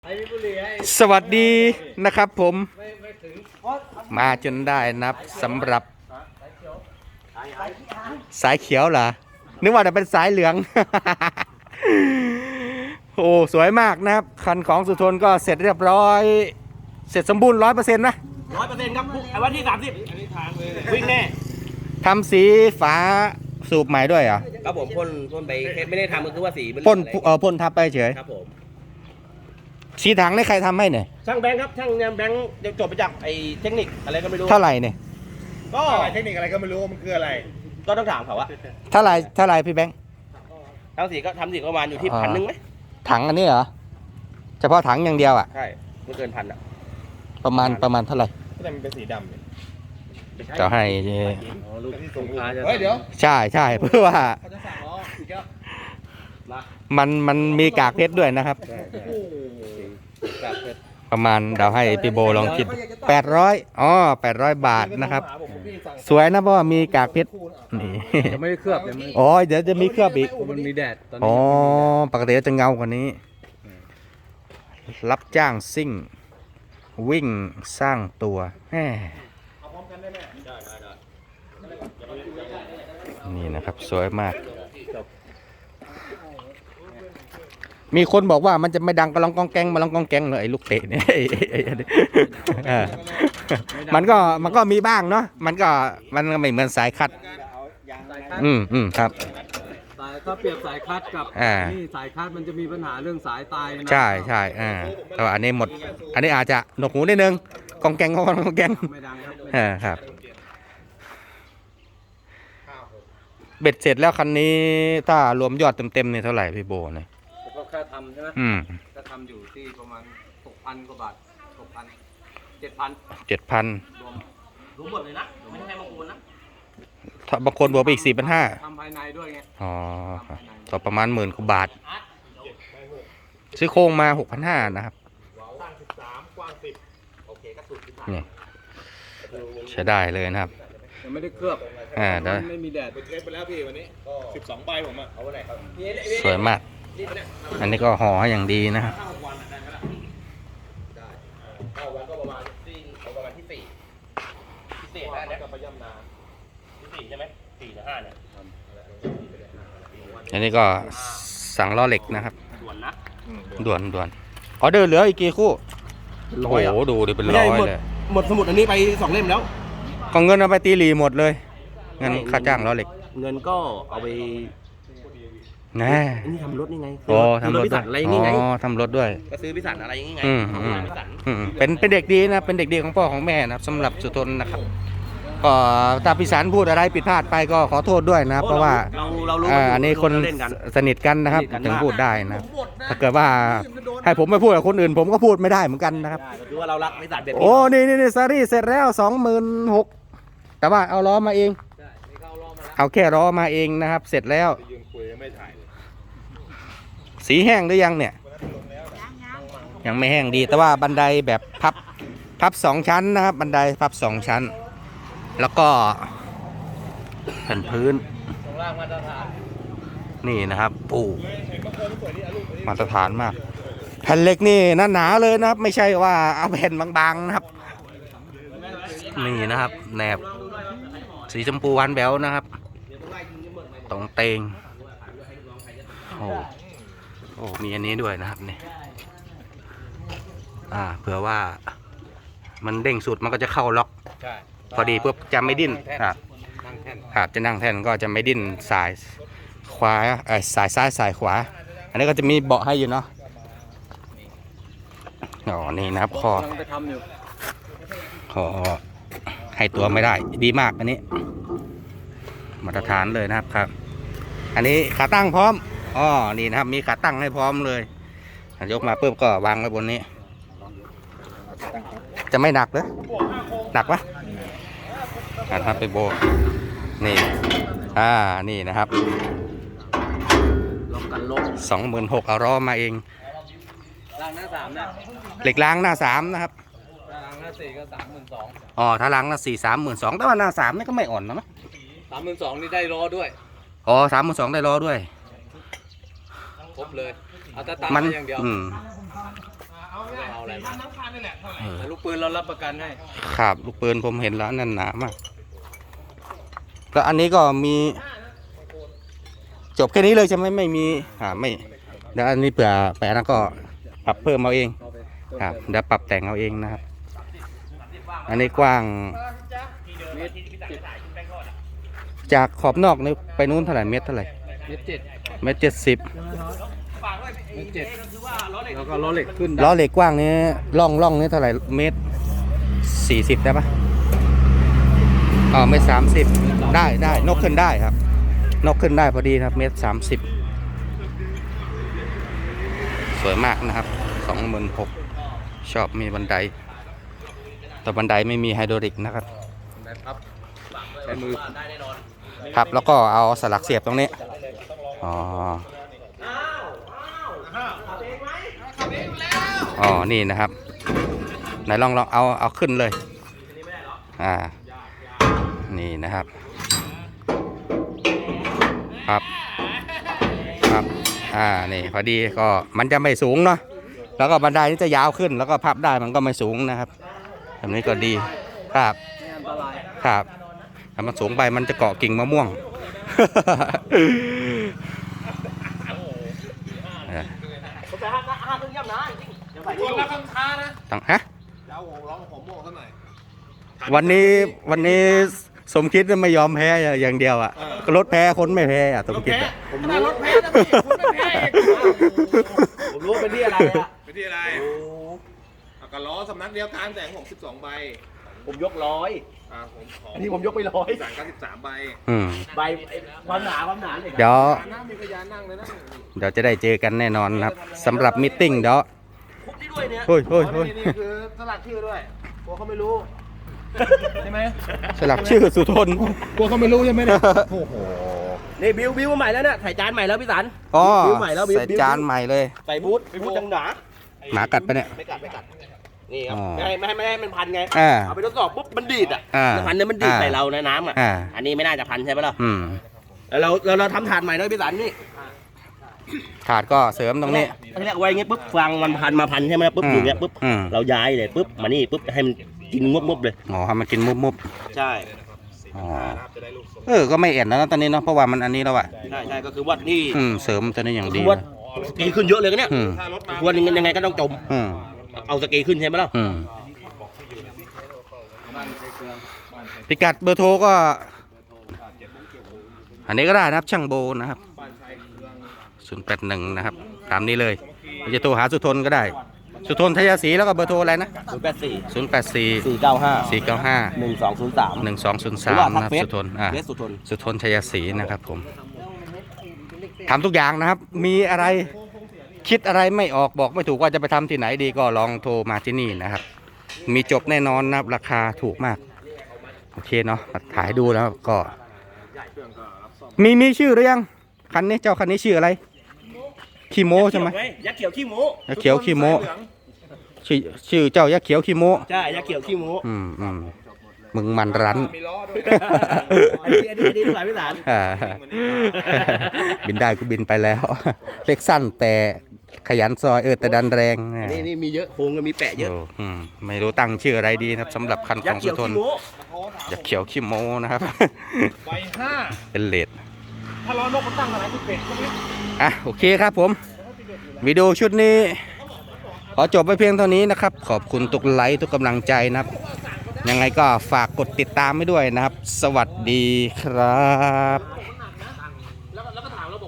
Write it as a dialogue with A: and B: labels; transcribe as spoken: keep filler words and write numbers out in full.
A: สวัสดีนะครับผมมาจนได้นะครับสำหรับสายเขียวเหรอนึกว่าจะเป็นสายเหลือง โอ้สวยมากนะครับคันของสุทนก็เสร็จเรียบร้อยเสร็จสมบูรณ์ร้อยเปอร์เซ็นต์นะ
B: ร้อยเปอร์เซ็นต์ครับไอ้วันที่สามสิบวิ่งแน่
A: ทำสีฝาสูบใหม่ด้วยเหรอ
B: ครับผมพ่นพ่นไปไม่ได้ทำก็คือว่าสี
A: พ่นเออพ่นทับไปเฉย
B: ครับผม
A: สีถังนี่ใครทำให้เนี่ย
B: ช่างแบงค์ครับช่างแบงค์เดี๋ยวจบไปจากไอ้เทคนิคอะไรก็ไม่รู้
A: เท่าไหร่เนี่ย
B: ก็
C: เทคนิคอะไรก็ไม่รู้มันคืออะไร
B: ก็ต้องถามเขาอะ
A: เท่าไหร่เท่าไหร่พี่แบงค์
B: ทำสีก็ทำสีประมาณอยู่ที่พันหนึ่งไหม
A: ถังอันนี้เหรอเฉพาะถังอย่างเดียวอ่ะ
B: ใช่ไม่เกินพันอะ
A: ประมาณประมาณเท่าไหร่
C: ก็จะเป็นสีดำเลย
A: จะให้
B: ลูกที่ส่งพาจะ
C: เฮ้ยเดี๋ยว
A: ใช่ใช่เพื่อว่ามันมันมีกากเพชรด้วยนะครับประมาณเดาให้พี่โบลองคิดแปดร้อยอ๋อแปดร้อยบาทนะครับสวยนะเพราะว่ามีกากเพชรนี่
B: ไม่ได้เคลือบ
A: อ๋อเดี๋ยวจะมีเคลือบอีก
B: มันมีแดดตอนนี้
A: อ๋อปกติจะเงากว่านี้รับจ้างซิ่งวิ่งสร้างตัวแหมนี่นะครับสวยมากมีคนบอกว่ามันจะไม่ดังกระลองกองแกงมาลองกองแกงเลยไอ้ลูกเตะเนี่ยมันก็มันก็มีบ้างเนาะมันก็มันก็ไม่เหมือนสายคัดอืมอืมครับ
D: สายถ้าเปรียบสายคัดกับนี่สายคัดมันจะมีปัญหาเรื่องสายตายนะ
A: ใช่ใช่อ่าแต่ว่าอันนี้หมดอันนี้อาจจะหนวกหูนิดนึงกองแกงกองแกง
D: ไม่ดังครับ
A: อ่าครับเบ็ดเสร็จแล้วคันนี้ถ้ารวมยอดเต็มๆเนี่ยเท่าไหร่พี่โบเนี่ย
D: ก็แค่ทำใช่ไหม
A: อืม
D: ก็ทำอยู่ที่ประมาณหกพันกว่าบาทหกพันเจ็ดพัน
A: เจ็ดพัน
B: รวมรวมหมดเลยนะไม่ใช่บางคนนะ
A: ถ้าบางคนบวกไปอีกสี่พันห้า
D: ทำภายในด้วยไง
A: อ๋อต่อประมาณหมื่นกว่าบาทซื้อโครงมาหกพันห้านะครับนี่ใช้ได้เลยนะครับ
D: ยังไม่ได้เคลือบ
A: อ่าได้
D: ไม่มีแดด
C: ไปเทสไปแล้วพี่วันนี้สิบสองใบผมอ่ะเอาไว้ไหนครับ
A: สวยมากอันนี้ก็ห่อให้อย่างดีนะครับ
B: เข้าวันก็ประมาณที่ประมาณที่สี่ที่สี่ห้าเนี่ยไปย่ำนาที่สี่ใช่ไหมสี่ถึงห้าเนี่ย
A: อันนี้ก็สั่งล้อเหล็กนะครับ
B: ด่วนนะ
A: ด่วนด่วนออเดอร์เหลืออีกกี่คู่โอ้โหดูดิเป็นร้อยเลย
B: หมดสมุดอันนี้ไปสองเล่มแล้ว
A: ก็เงินเอาไปตีหลีหมดเลยเงินค่าจ้างล้อเหล็ก
B: เงินก็เอาไป
A: แน่
B: นี่ทำรถนี่ไง
A: โอ้ทำรถด้วย
B: อะไรอย่างงี้ไง
A: อ๋อทำรถด้วย
B: ก็ซื้อพิสันอะไรอย่างงี้ไง
A: อืมอืมอืมเป็นเป็นเด็กดีนะเป็นเด็กดีของพ่อของแม่นะครับสำหรับสุทนนะครับก็ถ้าพิสันพูดอะไรผิดพลาดไปก็ขอโทษด้วยนะเพราะว่าอันนี้คนสนิทกันนะครับถึงพูดได้นะถ้าเกิดว่าให้ผมไม่พูดกับคนอื่นผมก็พูดไม่ได้เหมือนกันนะครับ
B: คือว่าเรารักพิสันเด็ด
A: โอ้นี่นี่ซารี่เสร็จแล้วสองหมื่นหกแต่ว่าเอาล้อมาเองเอาแค่ล้อมาเองนะครับเสร็จแล้วสีแห้งหรือยังเนี่ยยังไม่แห้งดีแต่ว่าบันไดแบบพับพับสองชั้นนะครับบันไดพับสองชั้นแล้วก็แผ่นพื้นนี่นะครับปูมาตรฐานมากแผ่นเหล็กนี่หนาๆเลยนะครับไม่ใช่ว่าเอาแผ่นบางๆนะครับนี่นะครับแหนบสีชมพูหวานแบ๊วนะครับตรงเตงโอ้โอ้มีอันนี้ด้วยนะครับนี่อ่าเผื่อว่ามันเด้งสุดมันก็จะเข้าล็อกพอดีปุ๊บจะไม่ดิ้นครับครับจะนั่งแท่นก็จะไม่ดิ้นสายขวาเออสายซ้ายสายขวาอันนี้ก็จะมีเบาะให้อยู่เนาะอ๋อนี่นะครับคอคอให้ตัวไม่ได้ดีมากอันนี้มาตรฐานเลยนะครับครับอันนี้ขาตั้งพร้อมอ๋อนี่นะครับมีขาตั้งให้พร้อมเลยยกมาปุ๊บก็วางไว้บนนี้จะไม่หนักเลยหนักปะนะครับไปโบนี่อ่านี่นะครับสองหมื่นหกเอาล้อมาเอง
D: ล้างหน้าสามนะ
A: เหล็กล้างหน้าสามนะครับ
D: ล้างหน้าสี่ก็สามหมื่นสอง
A: อ๋อถ้าล้างหน้าสี่สามหมื่นสองแต่ว่าหน้าสามนี่ก็ไม่อ่อนนะมั้ย
D: สามหมื่นสองนี่ได้ล้อด้วย
A: อ๋อสามหมื่นสองได้ล้อด้วย
D: ครบเลยเอาแต่ตาม
A: มัน
D: อย่างเดียว
A: อืม
B: อะไรมา
A: เออ
D: แต่ลูกปืนเรารับประกันให้
A: ครับลูกปืนผมเห็นแล้วนั่นหนามากแล้วอันนี้ก็มีจบแค่นี้เลยใช่ไหมไม่มีอ่าไม่เดี๋ยวอันนี้เผื่อไปอันนั้นก็ปรับเพิ่มเอาเองครับเดี๋ยวปรับแต่งเอาเองนะครับ อันนี้กว้างจากขอบนอกนี่ไปนู้นเท่าไหร่เมตรเท่าไหร่
D: เมตรเจ็ด
A: เมตรเจ็ดสิบ
D: เมตรเจ็ดแล้วก็ล้อเหล็กขึ้น
A: ล้อเหล็กกว้างนี้ล่องล่องนี้เท่าไหร่เมตรสี่สิบได้ปะอ๋อเมตรสามสิบได้ได้นกขึ้นได้ครับ นกขึ้นได้พอดีครับเมตรสามสิบสวยมากนะครับสองหมื่นหกชอบมีบันไดแต่บันไดไม่มีไฮดรอลิกนะครับ
D: ครับใช้มือ
A: ครับแล้วก็เอาสลักเสียบตรงนี้อ๋ออ๋อนี่นะครับไหนลองลองเอาเอาขึ้นเลยอ่านี่นะครับครับครับอ่านี่พอดีก็มันจะไม่สูงเนาะแล้วก็บันไดนี่จะยาวขึ้นแล้วก็พับได้มันก็ไม่สูงนะครับแบบนี้ก็ดีครับครับถ้ามันสูงไปมันจะเกาะกิ่งมะม่วง
B: ผมจะห้าห้าเครื่องย่ำนะจริงเดี๋ยวใส่
C: คนละคำท้านะ
A: ตั้งฮะ
C: จะเอาร้องผมโม่เขาหน่อย
A: วันนี้วันนี้สมคิดไม่ยอมแพ้อย่างเดียวอ่ะรถแพ้คนไม่แพ้อ่ะสมคิดอะ
C: ผมรู้รถแพ้นะพี่คุณไม่แพ้อีก
B: ผมรู้ว่าเป็นที่อะไรอะ
C: ไปที่อะไรเอากระล้อสำนักเดียวกันแต่ของผมสิบสองใบ
B: ผมยกร้อย
C: อ่าผมขอ
B: อันนี้ผมยกไปร้อย
C: สามเก้าสิบสามใบ
A: อืม
B: ใบความหนาความหนาเลย
A: เดี๋ยว
C: นั่งมีพยานนั่งเลยนะ
A: เดี๋ยวจะได้เจอกันแน่นอนนะครับสำหรับมิทติ้งเดี๋ยว
B: คุกที่ด้วยเนี่ย
A: เฮ้ยเฮ้ยเฮ้ย
C: นี่นี่คือสลักชื่อด้วยกลัวเขาไม่รู้ใช่ไหม
A: สลักชื่อสุทน
C: กลัวเขาไม่รู้ใช่ไหมเนี่ยโอ้โห
B: นี่บิวบิวมาใหม่แล้วเนี่ยใส่จานใหม่แล้วพี่สัน
A: อ๋อ
B: บิ้วใหม่แล้วบิ้ว
A: ใส่จานใหม่เลย
B: ใส่บูทบูทจังหนา
A: หมากัดปะเนี่ย
B: ไม่กัดไม่กัดนี่ครับ
A: อ๋อ
B: ไม่ให้ไม่ให้ไม่ให้มันพันไง
A: อ่า
B: เอาไปทดสอบปุ๊บมันดีดอ่ะ
A: อ่า
B: พันเนี่ยมันดีด
A: อ่า
B: ใส่เราในน้ำอ่ะ
A: อ่า
B: อันนี้ไม่น่าจะพันใช่ไหมล่ะ
A: อืม
B: แล้วเราเราเราทำถาดใหม่ด้วยพี่สันนี่
A: ขาดก็เสริมตรงนี้
B: เรียกไว้อย่างงี้ปุ๊บฟังมันพันมาพันใช่ไหมปุ๊บ
A: อืม
B: อยู่เงี้ยปุ๊บ
A: อืม
B: เราย้ายเลยปุ๊บมานี่ปุ๊บให้มันกินงบงบๆเลย
A: อ๋อให้มันกินมุบมุบ
B: ใช่
A: ๆอ๋อเออก็ไม่เอ็นแล้วนะตอนนี้เนาะเพราะว่ามันอันนี้แล้วอ่ะ
B: ใช่ใช่ก็คือว่านี่
A: อืมเสริมตัวนี้อย่าง
B: คื
A: ดี
B: อว่าสกีขึ้นเยอะเลยกันเนี่ย
A: อืม
B: วันนึงยังไงก็ต้องจม
A: อืม
B: เอาสกีขึ้นใช่ไหมล่ะ
A: อืมพิกัดเบอร์โทรก็ อันนี้ก็ได้นะครับช่างโบนะครับศูนย์แปดหนึ่งนะครับตามนี้เลยจะโทรหาสุทนก็ได้ สุทนทยศรีแล้วก็เบอร์โทรอะไรนะ
B: ศูนย์แปดสี่
A: ศูนย์แปดสี่
B: สี่เก้าห้า
A: สี่เก้าห้า
B: หนึ่งสองศูนย์สาม
A: หนึ่งสองศูนย์
B: หรื
A: สา
B: อ
A: ม
B: ว่าทั
A: นะ
B: ก
A: ครับ
B: เฟซ
A: สุทนอ่า
B: เฟซสุทน
A: สุทนทยศรีนะครับผมทำทุกอย่างนะครับ มีอะไรคิดอะไรไม่ออกบอกไม่ถูกว่าจะไปทำที่ไหนดีก็ลองโทรมาที่นี่นะครับ มีจบแน่นอนนะครับราคาถูกมากโอเคเนาะมาถ่ายดูแล้วก็ มีมีชื่อหรือยังคันนี้เจ้าคันนี้ชื่ออะไรคีโมใช่ไหม
B: ยักษ์เขียวขี้หมู
A: ยักษ์เขียวคีโมชื่อชื่อเจ้ายักษ์เขียวคีโม
B: ใช่ยักษ์เขียวขี้หมู
A: อืมอืมมึงมันรั้น
C: มีล้อด้วย
B: อันนี้อันนี้อันนี้สายพิสาน
A: อ่าบินได้ก็บินไปแล้ว เล็กสั้นแต่ขยันซอยเออแต่ดันแรง
B: อันนี้นี่มีเยอะโครงก็มีแปะเยอะ
A: โอ้อืมไม่รู้ตั้งชื่ออะไรดีนะครับสำหรับคันข
B: ยั
A: อก ง
B: ษ์เขี
A: สุ
B: ยว
A: ทน
B: ขี้หมู
A: ยักษ์เขียวขี้โมนะครับ
C: ใบห้า
A: เป็นเลด
C: ถ้าล้อนกมันตั้งอะไรที่เป็ดใช่ไหม
A: อ่ะโอเคครับผมวิดีโอชุดนี้ ขอจบไปเพียงเท่านี้นะครับ ขอบคุณทุกไลค์ทุกกำลังใจนะครับ ยังไงก็ฝากกดติดตามให้ด้วยนะครับ สวัสดีครับ